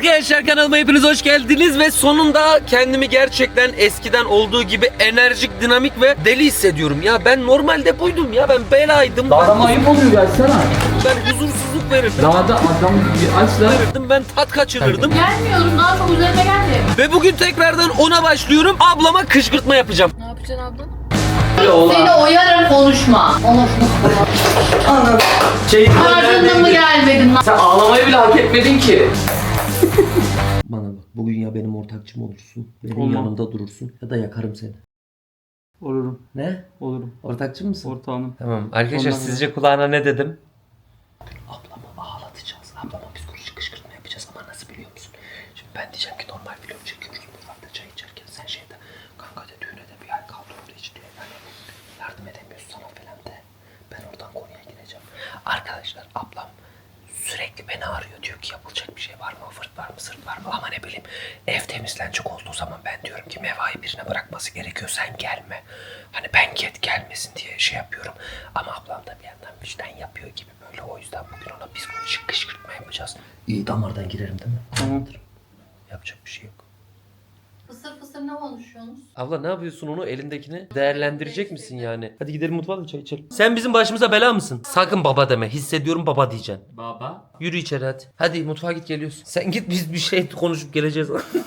Arkadaşlar kanalıma hepiniz hoş geldiniz ve sonunda kendimi gerçekten eskiden olduğu gibi enerjik, dinamik ve deli hissediyorum. Ya ben normalde buydum ya, ben belaydım. Dağda ayıp oluyor gelsene. Ben huzursuzluk verirdim. Dağda adam bir açla. Ben tat kaçırırdım. Gelmiyorum, daha çok üzerime geldi. Ve bugün tekrardan ona başlıyorum. Ablama kışkırtma yapacağım. Ne yapacaksın abla? Ola. Seni oyarak konuşma. Anladım. Ardından mı gelmedin lan? Sen ağlamayı bile hak etmedin ki. Bana bak, bugün ya benim ortakçım olursun, benim Olmam. yanımda durursun ya da yakarım seni. Olurum. Ne? Olurum. Ortakçı mısın? Ortağınım. Tamam. Arkadaşlar Ondan sizce kulağına ne dedim? Ablamı ağlatacağız. Ablama psikolojik kışkırtma yapacağız ama nasıl biliyor musun? Şimdi ben diyeceğim ki normal vlog çekiyoruz mutfakta çay içerken, sen şeyde kanka de düğüne de bir ay kaldı orada hiç diyor. Yani yardım edemiyorsun sana falan de. Ben oradan konuya gireceğim. Arkadaşlar ablam sürekli beni arıyor, diyor ki yapılacak bir şey var mı, fırt var mı, sırt var mı, ama ne bileyim ev temizlenecek olduğu zaman ben diyorum ki Meva'yı birine bırakması gerekiyor, sen gelme. Hani ben gelmesin diye şey yapıyorum. Ama ablam da bir yandan vicdan yapıyor gibi böyle, o yüzden bugün ona psikolojik kışkırtma yapacağız. İyi damardan girerim değil mi? Tamamdır. Yapacak bir şey yok. Fısır fısır ne konuşuyorsunuz? Abla ne yapıyorsun, onu elindekini değerlendirecek misin yani? Hadi gidelim mutfağa da çay içelim. Sen bizim başımıza bela mısın? Sakın baba deme. Hissediyorum baba diyeceksin. Baba. Yürü içeri hadi. Hadi mutfağa git, geliyorsun. Sen git, biz bir şey konuşup geleceğiz.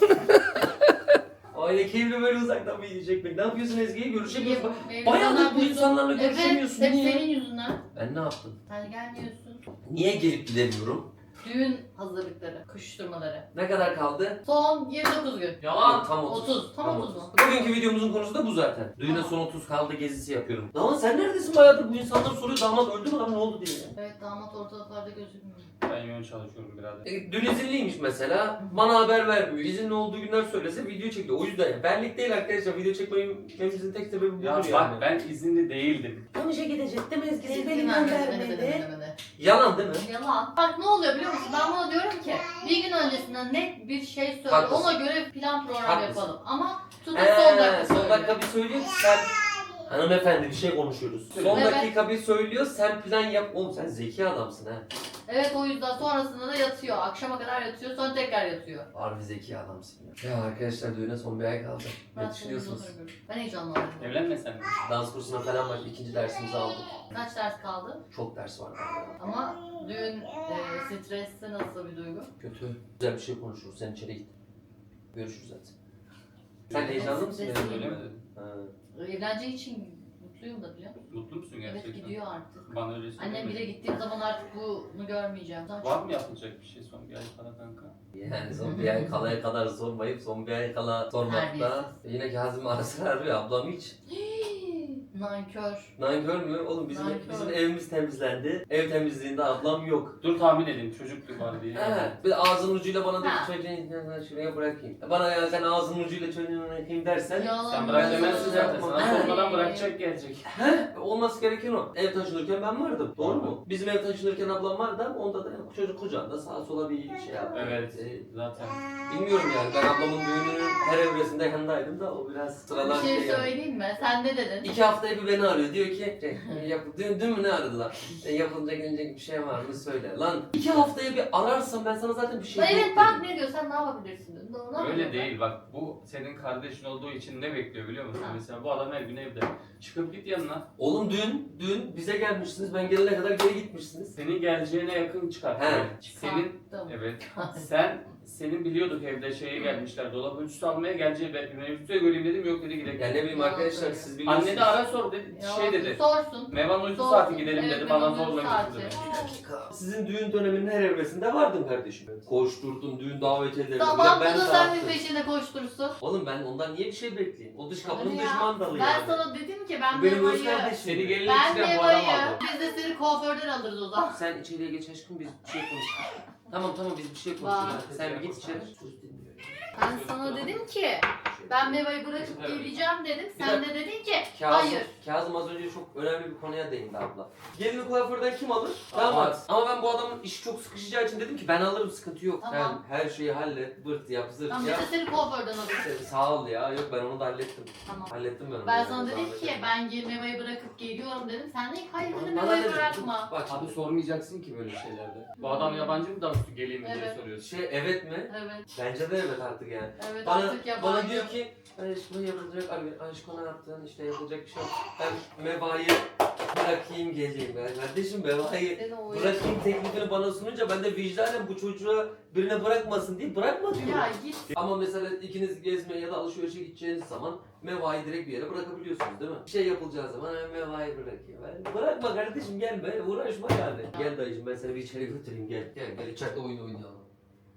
Aile keyifli böyle uzaktan bir yiyecek mi? Ne yapıyorsun Ezgi'ye? Görüşemiyoruz. Bayağıdır bu insanlarla görüşemiyorsun. Evet, hep Niye? senin yüzünden. Ben ne yaptım? Sen gelmiyorsun. Niye gelip gidemiyorum? Düğün hazırlıkları, koşuşturmaları. Ne kadar kaldı? Son 29 gün. Yalan. Tam 30. 30. Tam 30 mu? Bugünkü videomuzun konusu da bu zaten. Düğüne Tamam. son 30 kaldı gezisi yapıyorum. Damat sen neredesin bayağıdır? Bu insanlar soruyor, damat öldü mü lan, ne oldu diye. Evet, damat ortalıklarda gözükmüyor. Ben yoğun çalışıyorum birader. Dün izinliymiş mesela. Bana haber vermiyor. İzinli olduğu günler söylese video çekiyor. O yüzden benlik değil arkadaşlar. Video çekmemizin tek sebebi budur Ya yani. bak ben izinli değildim. Tam işe gidecektim, Ezgi'si beni Demedi. göndermedi. Yalan değil mi? Yalan. Bak ne oluyor biliyor musun? Ben buna diyorum ki bir gün öncesinden net bir şey söyle. Haklısın. Ona göre plan program Haklısın. yapalım. Ama tutup son dakika Son söylüyor. dakika bir söylüyor ki sen... Hanımefendi bir şey konuşuyoruz. Son Evet. dakika bir söylüyor, sen plan yap. Oğlum sen zeki adamsın ha. Evet, o yüzden sonrasında da yatıyor. Akşama kadar yatıyor, sonra tekrar yatıyor. Harbi zeki adamsın ya. Ya arkadaşlar düğüne son bir ay kaldı. Ne düşünüyorsunuz? Ben heyecanlandım. Evlenmesen mi? Dans kursuna falan var. 2. dersimizi aldık. Kaç ders kaldı? Çok ders var. Ama düğün stresli nasıl bir duygu? Kötü. Güzel bir şey konuşuruz. Sen içeri git. Görüşürüz zaten. Sen heyecanlı mısın? Stresliyim. benim? Öyle mi dedin? Ha. Evleneceği için mutluyum da biliyor musun? Mutlu musun gerçekten? Evet, gidiyor artık. Bana öyle söyleme. Annem bile gittiğim zaman artık bunu görmeyeceğim. Var mı yapılacak bir şey son bir ay falan kanka? Yani son bir ay kalaya kadar sormayıp son bir ay kala sormakta. Yine Kazım ara sıra arıyor. Ablam hiç. Nankör. Nankör mü? Oğlum Nankör. bizim evimiz temizlendi. Ev temizliğinde ablam yok. Dur tahmin edeyim çocuktu var diye. Evet. Bir de ağzının ucuyla bana dedi Ha. ki çocuğunu şuraya bırakayım. Bana ya sen ağzının ucuyla çocuğunu bırakayım dersen. Yalan. Sen bırak demezsin zaten. yapma. Sana Ha. sormadan bırakacak gelecek. He? Olması gereken o. Ev taşınırken ben vardım. Doğru mu? Bizim ev taşınırken ablam vardı ama onda da çocuk kucağında sağa sola bir şey yaptı. Evet zaten. Bilmiyorum yani, ben ablamın düğününün her evresinde yanındaydım da o biraz Bir sıradan şey yani. söyleyeyim mi? Sen ne dedin? 2 haftaya bir beni arıyor, diyor ki dün mü ne aradılar? Yapılacak gelecek bir şey var mı söyle. Lan 2 haftaya bir ararsam ben sana zaten bir şey Evet beklerim. bak ne diyor, sen ne yapabilirsin? Ne Öyle yapıyorsun? değil bak bu senin kardeşin olduğu için ne bekliyor biliyor musun? Ha. Mesela bu adam her gün evde. Çıkıp git yanına. Oğlum dün bize gelmişsiniz, ben gelene kadar geri gitmişsiniz. Senin geleceğine yakın çıkar. He. Senin Sattım. evet. Senin biliyorduk evde şeye gelmişler. Dolap ölçüsü almaya geleceği ben ölçüsü göreyim dedim yok dedi gidelim. Ya ne bileyim arkadaşlar, siz biliyorsunuz. Anne de ara sor dedi. Ya, Şey dedi. Sorsun. Mevan uyku Sorsun. saati gidelim Evet, dedi. Bana Mevan uyku zorla saati. götürdü. Bir dakika. Sizin düğün döneminin her evresinde vardım kardeşim. Koşturdum düğün davetiyelerine. Tamam, ben bu da dağıttım. senin peşinde koştursun. Oğlum ben ondan niye bir şey bekleyeyim? O dış kapının Hadi dış ya. mandalı Ben yani. sana dedim ki ben Benim öz Meva'yı... kardeşim. Seni gelin Ben içine bu adam Meva'yı... aldı. Biz de seni kuaförden alırız o zaman. Sen içeriye geç aşkım, biz bir şey konuşalım. Tamam biz bir şey konuşalım. Sen bir git içeri. Söz dinliyorum. Ben sana dedim ki Ben Meva'yı bırakıp Evet. geleceğim dedim. Bir Sen de dedin ki Kazım, hayır. Kazım az önce çok önemli bir konuya değindi abla. Gelini kuaförden kim alır? Damat. Damat. Ama ben bu adamın işi çok sıkışacağı için dedim ki ben alırım, sıkıntı yok. Tamam. Sen her şeyi hallet, bırt yap, zırt Tamam biz yap. de seni kuaförden alırız. Sağ ol ya. Yok ben onu da hallettim. Tamam. Hallettim ben onu. Ben yani, sana dedim zahmet ki etme. ben Meva'yı bırakıp geliyorum dedim. Sen de hayır dedim Bana Meva'yı dedim, bırakma. Bak Abi sormayacaksın ki böyle şeylerde. Bu adam yabancı mı da geleyim mi diye Evet. soruyorsun. evet mi? Evet. Bence de evet artık yani. Evet Bana, artık yabancı. bana diyor ki aşkım yapılacak abi, aşkım ne yaptın, işte yapılacak bir şey yok. Ben Meva'yı bırakayım geleyim. Ben kardeşim Meva'yı Seni o bırakayım teklifini bana sununca ben de vicdanen bu çocuğa birine bırakmasın diye bırakma diyorum. Ya git. Ama mesela ikiniz gezmeye ya da alışverişe gideceğiniz zaman Meva'yı direkt bir yere bırakabiliyorsunuz değil mi? Bir şey yapılacağı zaman Meva'yı bırakayım. Bırakma kardeşim gelme, uğraşma yani. Gel dayıcım ben seni bir içeri götüreyim gel. Gel içeride oyun oynayalım.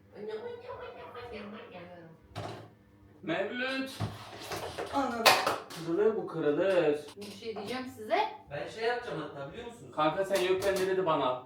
Mevlüt. Ana. Kırılır bu kırılır. Bir şey diyeceğim size. Ben şey yapacağım hatta biliyor musunuz? Kanka sen yokken ne dedi bana?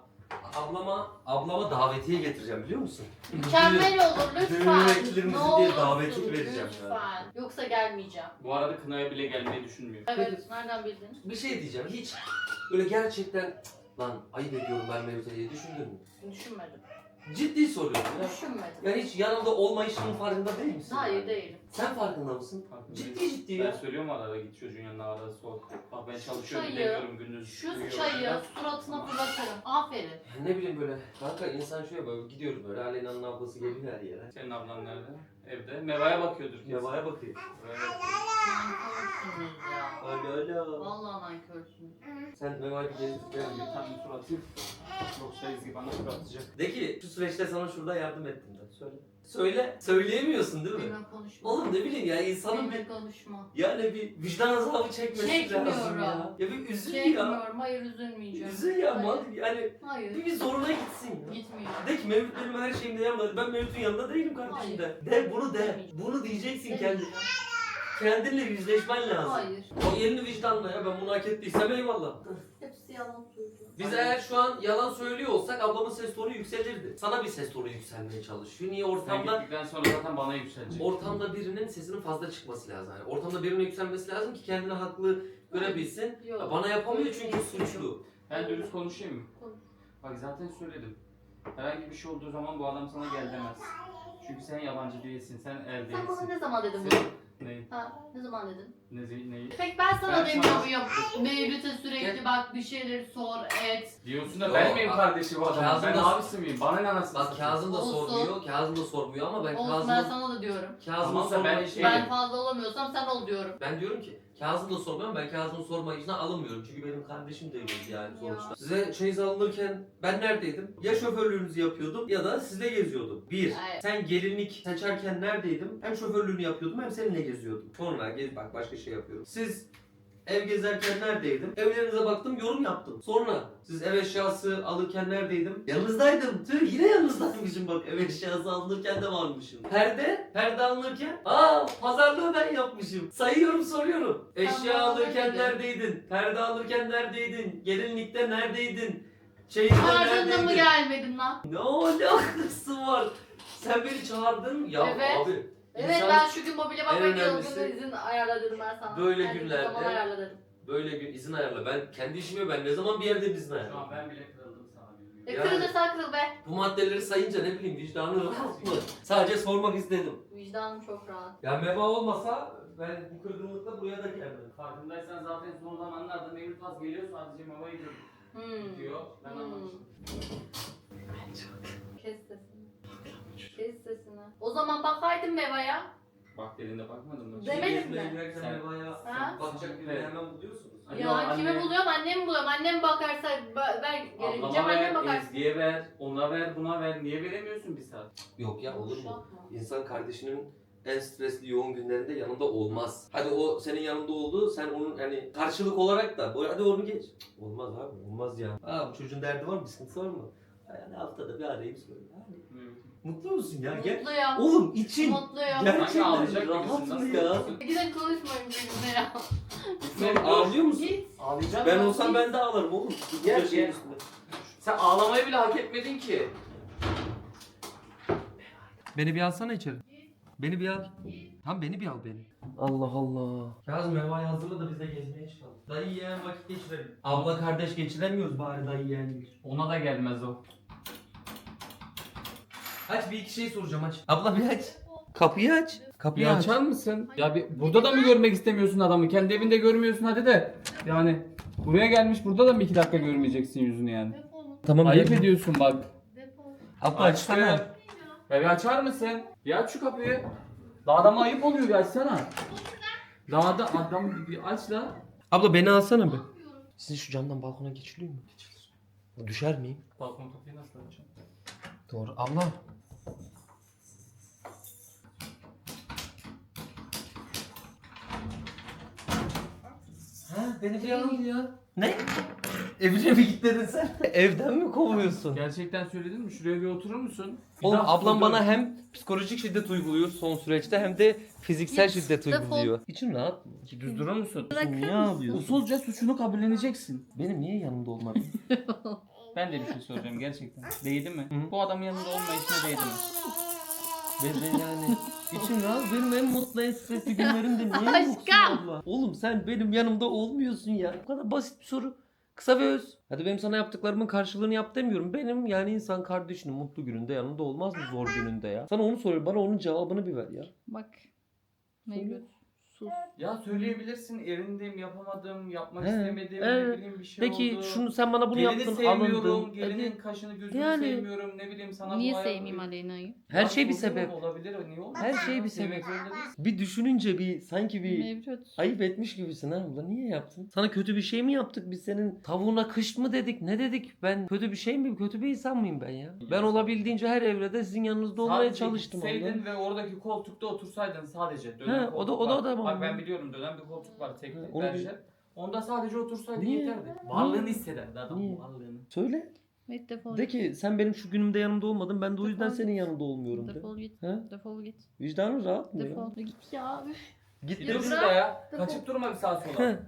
Ablama davetiye getireceğim biliyor musun? Mükemmel olur lütfen. Düğünlerimizi Ne diye olursun, davetiye vereceğim lütfen. ya. Yoksa gelmeyeceğim. Bu arada kınaya bile gelmeyi düşünmüyor. Evet, nereden bildin? Bir şey diyeceğim hiç böyle gerçekten lan ayıp ediyorum ben Mevlüt'e diye düşündün mü? Düşünmedim. Ciddi soruyorum ya. Düşünmedim. Yani hiç yanında olmayışının farkında değil misin? Hayır değilim. Sen farkında mısın? Farkındayım. Ciddi Ben ya. söylüyorum arada git çocuğun yanına arada sor. Bak ben çalışıyorum Çayı, gidemiyorum gündüz. Şu uyuyorum. çayı suratına fırlatırım. Aferin. Ne bileyim böyle kanka insan şöyle böyle gidiyoruz böyle Aleyna'nın ablası geliyor her yere. Senin ablan nerede? Evde. Meva'ya bakıyordur kesin. Meva'ya bakıyor. Meva'ya bakıyor. Nankörsünüz ya. Alo. Vallahi nankörsünüz. Sen Meva'yı bir gezdir gel Bir bir. tane tur atayım. Yoksa Ezgi bana tur atacak. De ki şu süreçte sana şurada yardım ettim de. Söyle. Söyle. Söyleyemiyorsun değil mi? Benimle konuşma. Oğlum ne bileyim ya insanın bir Benimle konuşma. yani bir vicdan azabı çekmesi Çekmiyorum. lazım ya. Ya bir üzül ya. Çekmiyorum. Hayır üzülmeyeceğim. Üzül ya Hayır. mal yani Hayır. bir zoruna gitsin ya. Gitmiyor. De ki Mevlüt benim her şeyimde yanımda. Ben Mevlüt'ün yanında değilim kardeşim de. De bunu de. Demeyeceğim. Bunu diyeceksin kendi. Demeyeceğim. Kendinle yüzleşmen lazım. Hayır. O elini vicdanla ya ben bunu hak ettiysem eyvallah. Hepsi yalan söylüyor. Biz eğer şu an yalan söylüyor olsak ablamın ses tonu yükselirdi. Sana bir ses tonu yükselmeye çalışıyor. Niye Sen ortamda gittikten sonra zaten bana yükselecek. ortamda birinin sesinin fazla çıkması lazım. Yani ortamda birinin yükselmesi lazım ki kendini haklı görebilsin. Yok. Ya bana yapamıyor çünkü Yok. suçlu. Ben dürüst konuşayım mı? Konuş. Bak zaten söyledim. Herhangi bir şey olduğu zaman bu adam sana gel demez. Çünkü sen yabancı değilsin, sen el Sen bana değilsin. ne zaman dedin bunu? Sen... Neyi? Ha, ne zaman dedin? Neyi? Peki ben sana Ben demiyor sana- muyum? Mevlüt'e sürekli bak bir şeyleri sor, et. Diyorsun da Yok, ben miyim kardeşi bu adamın? Kazım Ben da- abisi miyim? Bana ne anasını Bak satayım? Kazım da Olsun. sormuyor. Kazım da sormuyor ama ben Olsun ben Kazım'ın sana da diyorum. Kazım'ın Tamam da ben sorma şey- Ben fazla olamıyorsam sen ol diyorum. Ben diyorum ki Kazım da sormuyorum, ben Kazım'ın sormayışına alınmıyorum çünkü benim kardeşim değil yani sonuçta. Ya. Size çeyiz alınırken ben neredeydim? Ya şoförlüğünüzü yapıyordum ya da sizle geziyordum. Bir, Evet. sen gelinlik seçerken neredeydim? Hem şoförlüğünü yapıyordum hem seninle geziyordum. Sonra bak başka şey yapıyorum. Siz ev gezerken neredeydim? Evlerinize baktım, yorum yaptım. Sonra siz ev eşyası alırken neredeydim? Yanınızdaydım. Tüh yine yanınızdaymışım bak. Ev eşyası alınırken de varmışım. Perde alınırken pazarlığı ben yapmışım. Sayıyorum soruyorum. Eşya Tamam, alırken öyle. neredeydin? Perde alırken neredeydin? Gelinlikte neredeydin? Çeyizde Harcında mı neredeydin? gelmedim lan? Ne alakası var? Sen beni çağırdın ya Evet. abi. Evet insan ben şu gün mobilya bakmaya en gidiyordum. önemlisi- İzin ayarladım ben sana. Böyle Yani günlerde- Zaman ayarladım. böyle gün izin ayarla. Ben kendi işimi ben ne zaman bir yerde izin Şu an ayarla. ben bile kırıldım sana bilmiyorum. E Yani- kırılırsan kırıl be. Bu maddeleri sayınca ne bileyim vicdanı rahat mı? Sadece sormak istedim. Vicdanım çok rahat. Ya meva olmasa ben bu kırgınlıkla buraya da gelmedim. Farkındaysan zaten son zamanlarda Mevlüt Vaz geliyor sadece Meva'yı gidiyor. Ben Hmm. anlamıştım. Kes sesini. Kes sesini. O zaman bakaydın Meva'ya. Bak dediğinde bakmadın mı? Demedim Gezmeye mi? giderken Sen- mevaya Ha? bakacak birini Evet. hemen buluyorsunuz. Ay, Ya yok, kime anne. buluyorum? Annemi buluyorum. Annem bakarsa ben gelince Ablama annem ver, bakar. Ezgi'ye ver, ona ver, buna ver. Niye veremiyorsun bir saat? Yok ya olur mu? Boşaltma. İnsan kardeşinin en stresli yoğun günlerinde yanında olmaz. Hadi o senin yanında oldu, sen onun hani karşılık olarak da hadi onu geç. Cık, olmaz abi, olmaz ya. Bu çocuğun derdi var mı, sıkıntısı var mı? Yani haftada bir arayayım söyle. Hani, mutlu musun ya? Gel. Mutluyum. Oğlum için Mutluyum. gerçekten ağlayacak rahat gibisin, mı nasıl ya? yapıyorsun? Gidin konuşmayın benimle ya. Sen ağlıyor musun? Git. Ağlayacak Ben mısın? olsam ben de ağlarım oğlum. Gel, Bu şeyin gel. üstünde. Sen ağlamayı bile hak etmedin ki. Beni bir alsana içeri. Beni bir al. Tam beni bir al beni. Allah Allah. Kazım Meva'yı hazırla da biz de gezmeye çıkalım. Dayı yeğen vakit geçirelim. Abla kardeş geçiremiyoruz bari dayı yeğen. Ona da gelmez o. Aç bir iki şey soracağım aç. Abla bir aç. Kapıyı aç. Kapıyı Bir aç. açar mısın? Ya bir, burada da mı görmek istemiyorsun adamı? Kendi evinde görmüyorsun hadi de. Yani buraya gelmiş burada da mı 2 dakika görmeyeceksin yüzünü yani? Defol. Tamam. Ayıp dedim. ediyorsun bak. Defol. Abla Açtım. açsana. Ya bir açar mısın? Bir aç şu kapıyı. Daha adama ayıp oluyor bir açsana. Daha da adam bir aç la. Abla beni alsana bir. Sizin şu camdan balkona geçiliyor mu? Geçilir. Düşer miyim? Balkon kapıyı nasıl açacağım? Doğru. Abla. Ha beni bir al ya. Ne? Evine mi git dedin sen? Evden mi kovuyorsun? Gerçekten söyledin mi? Şuraya bir oturur musun? Bir Oğlum daha ablam fotoğraf- bana hem psikolojik şiddet uyguluyor son süreçte hem de fiziksel Git, şiddet defol. uyguluyor. İçim rahat. Düz durur musun? Bırakır Niye mısın? ağlıyorsun? Usulca suçunu kabulleneceksin. Benim niye yanımda olmadın? Ben de bir şey soracağım gerçekten. Değdi mi? Hı. Bu adamın yanında olmayışına değdi mi? Ben yani içim rahat. Benim en mutlu en stresli günlerimde niye Aşkım. yoksun abla? Oğlum sen benim yanımda olmuyorsun ya. Bu kadar basit bir soru. Kısa ve öz. Hadi benim sana yaptıklarımın karşılığını yap demiyorum. Benim yani insan kardeşinin mutlu gününde yanında olmaz mı zor gününde ya? Sana onu soruyorum. Bana onun cevabını bir ver ya. Bak. Mevlüt. Sus. Ya söyleyebilirsin erindeyim, yapamadım, yapmak He, istemedim, evet. ne bileyim bir şey Peki oldu. şunu sen bana bunu Gelini yaptın sevmiyorum, alındın. gelinin Hadi. kaşını gözünü Yani- sevmiyorum, ne bileyim sana Niye bu hayat- sevmeyeyim Aleyna'yı? Her Ya şey bir sorun sebep. olabilir, niye olmasın? Her şey bir Sevmek sebep. zorunda değilsin. Bir düşününce bir sanki bir Mevlüt. ayıp etmiş gibisin ha abla. Niye yaptın? Sana kötü bir şey mi yaptık? Biz senin tavuğuna kış mı dedik? Ne dedik? Ben kötü bir şey miyim? Kötü bir insan mıyım ben ya? Ben olabildiğince her evrede sizin yanınızda olmaya Sadece çalıştım abla. gitseydin ve oradaki koltukta otursaydın sadece. Dönen He, o koltuk da- o da- var. o da Bak bana. ben biliyorum dönen bir koltuk var teknik onu berjer. Onda sadece otursaydın Niye? yeterdi. Varlığını hissederdi adam Niye? varlığını. Söyle. Evet defol De git. ki sen benim şu günümde yanımda olmadın. Ben de o yüzden Defol senin git. yanında olmuyorum de. Defol git. He? Defol git. Vicdanın rahat mı ya? Defol. Git ya. Üf. Git Bir Ya dur de. bırak. şurada ya. Defol. Kaçıp durma bir sağa sola. Heh.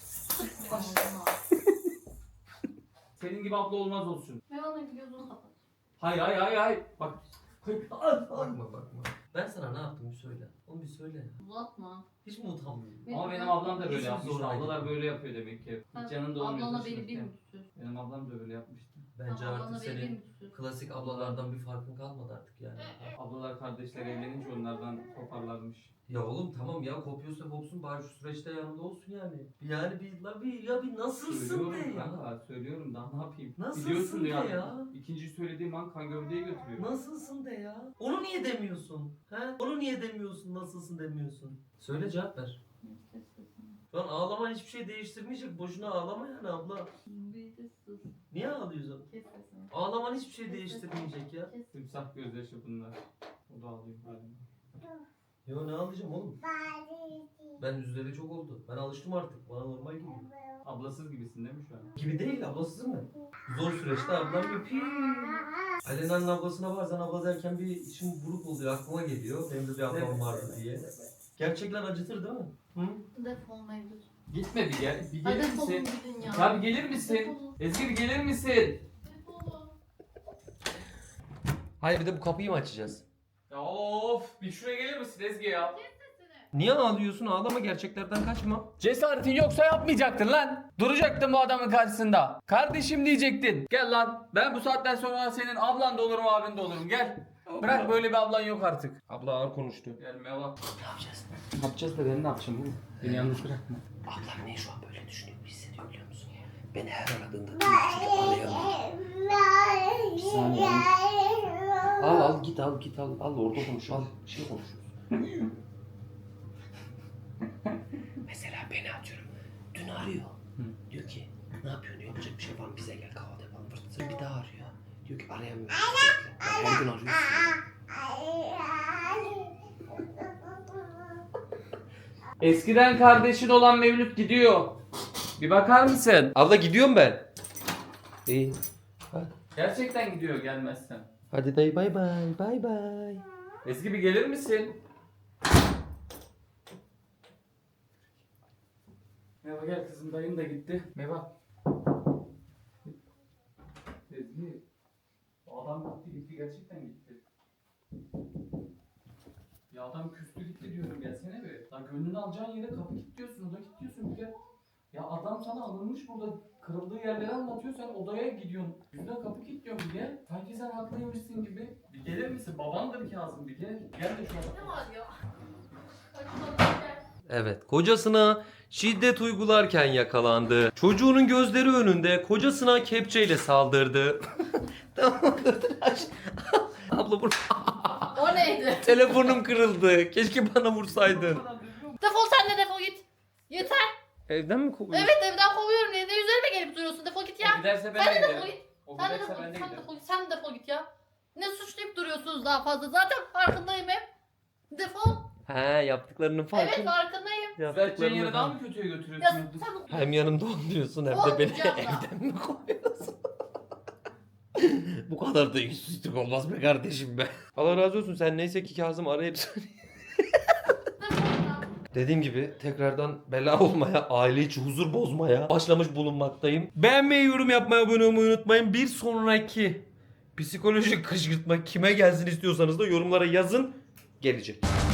Senin gibi abla olmaz olsun. Mevlüt'ün gözünü kapat. Hay. Bak. Bakma bakma. Ben sana ne yaptım bir söyle. Onu bir söyle. Uzatma. Hiç mi utanmıyorsun? Ama benim ablam da böyle Hiç yapmış. zor Ablalar ayrı. böyle yapıyor demek ki. Sen Hiç yanında olmuyor. Ablana beni bir taşınırken. mi tutuyorsun? Benim ablam da böyle yapmıştı. Bence Ablana artık beni bir senin mi tutuyorsun? klasik ablalardan bir farkın kalmadı artık yani. Ablalar kardeşler evlenince onlardan toparlarmış. Ya oğlum tamam ya kopuyorsa kopsun bari şu süreçte yanında olsun yani. Yani bir nasılsın Söylüyorum de ya. kanka, söylüyorum daha ne yapayım? Nasılsın Biliyorsun de ya. ya? İkinci söylediğim an kan gövdeyi götürüyor. Nasılsın de ya. Onu niye demiyorsun? He? Onu niye demiyorsun? Nasılsın demiyorsun? Söyle cevap ver. Kes sesini. Şu an ağlaman hiçbir şey değiştirmeyecek. Boşuna ağlama yani abla. Bir de sus. Niye ağlıyorsun? Kes sesini. Ağlaman hiçbir şey değiştirmeyecek ya. Kes. Timsah gözyaşı bunlar. O da ağlıyor galiba. Yo ne ağlayacağım oğlum? Ben üzüleri çok oldu. Ben alıştım artık. Bana normal geliyor. Ablasız gibisin değil mi şu an? Gibi değil ablasız mı? Zor süreçte ablam öpüyor. Alena'nın ablasına bazen abla derken bir içim buruk oluyor. Aklıma geliyor. Benim de bir ablam vardı diye. Gerçekten acıtır değil mi? Hı? Defol Mevlüt. Gitme bir gel. Bir Hadi gelir defolun misin? gidin ya. Ya bir gelir misin? Defolun. Ezgi bir gelir misin? Defolun. Hayır bir de bu kapıyı mı açacağız? Ya of bir şuraya gelir misin Ezgi ya? Niye ağlıyorsun? Ağlama gerçeklerden kaçma. Cesaretin yoksa yapmayacaktın lan. Duracaktın bu adamın karşısında. Kardeşim diyecektin. Gel lan. Ben bu saatten sonra senin ablan da olurum abin de olurum. Gel. Bırak böyle bir ablan yok artık. Abla ağır konuştu. Gel Meva. Ne yapacağız? Ne yapacağız da ben ne yapacağım oğlum? Beni yalnız bırakma. Ablam niye şu an böyle düşünüyor, hissediyor biliyor musun? Beni her aradığında arayamıyor. Bir saniye. Al git al orada konuş al. Bir şey konuşuyoruz. Mesela beni atıyorum. Dün arıyor. Diyor ki ne yapıyorsun? Yapacak bir şey var mı? Bize gel kahvaltı yapalım. Fırtına bir daha arıyor. Diyor ki arayamıyorum. Ben her gün arıyorsun. Eskiden kardeşin olan Mevlüt gidiyor. Bir bakar mısın? Abla gidiyorum ben. İyi. Gerçekten gidiyor gelmezsen. Hadi dayı bay bay. Ezgi bir gelir misin? Meva gel kızım dayın da gitti. Meva. Ezgi. O adam gitti gerçekten gitti. Ya adam küstü gitti diyorum, gelsene bir. Lan gönlünü alacağın yere kapı kilitliyorsun, oda kilitliyorsun bir de. Ya adam sana alınmış burada, kırıldığı yerleri anlatıyor, sen odaya gidiyorsun. Yüzüne kapı kilitliyorsun bir gel. Sanki sen haklıymışsın gibi. Bir gelir misin? Babandır Kazım, bir gel. Gel de şu Ne adamı. var ya? Hadi gel. Evet, kocasına şiddet uygularken yakalandı. Çocuğunun gözleri önünde kocasına kepçeyle saldırdı. Tamam, dur, aç. Abla vur. O neydi? Telefonum kırıldı. Keşke bana vursaydın. Defol sen de defol git. Yeter. Evden mi kovuyorsun? Evet evden kovuyorum. Niye de üzerime gelip duruyorsun? Defol git ya. O giderse ben Sen de de defol giderim. git. O Sen de giderse defol ben de git. Sen de giderim. defol git. Sen de defol git ya. Ne suçlayıp duruyorsunuz daha fazla? Zaten farkındayım hep. Defol. He, yaptıklarının Evet farkı. farkındayım. Düzelteceğin yere daha mı kötüye Ya götürüyorsun? sen Hem yanımda oluyorsun hem de beni Olmayacak da. evden mi kovuyorsun? Bu kadar da yüzsüzlük olmaz be kardeşim be. Allah razı olsun, sen neyse ki Kazım arayıp söyleyeyim. defol ya. Dediğim gibi tekrardan bela olmaya, aile içi huzur bozmaya başlamış bulunmaktayım. Beğenmeyi, yorum yapmayı, abone olmayı unutmayın. Bir sonraki psikolojik kışkırtma kime gelsin istiyorsanız da yorumlara yazın. Gelecek.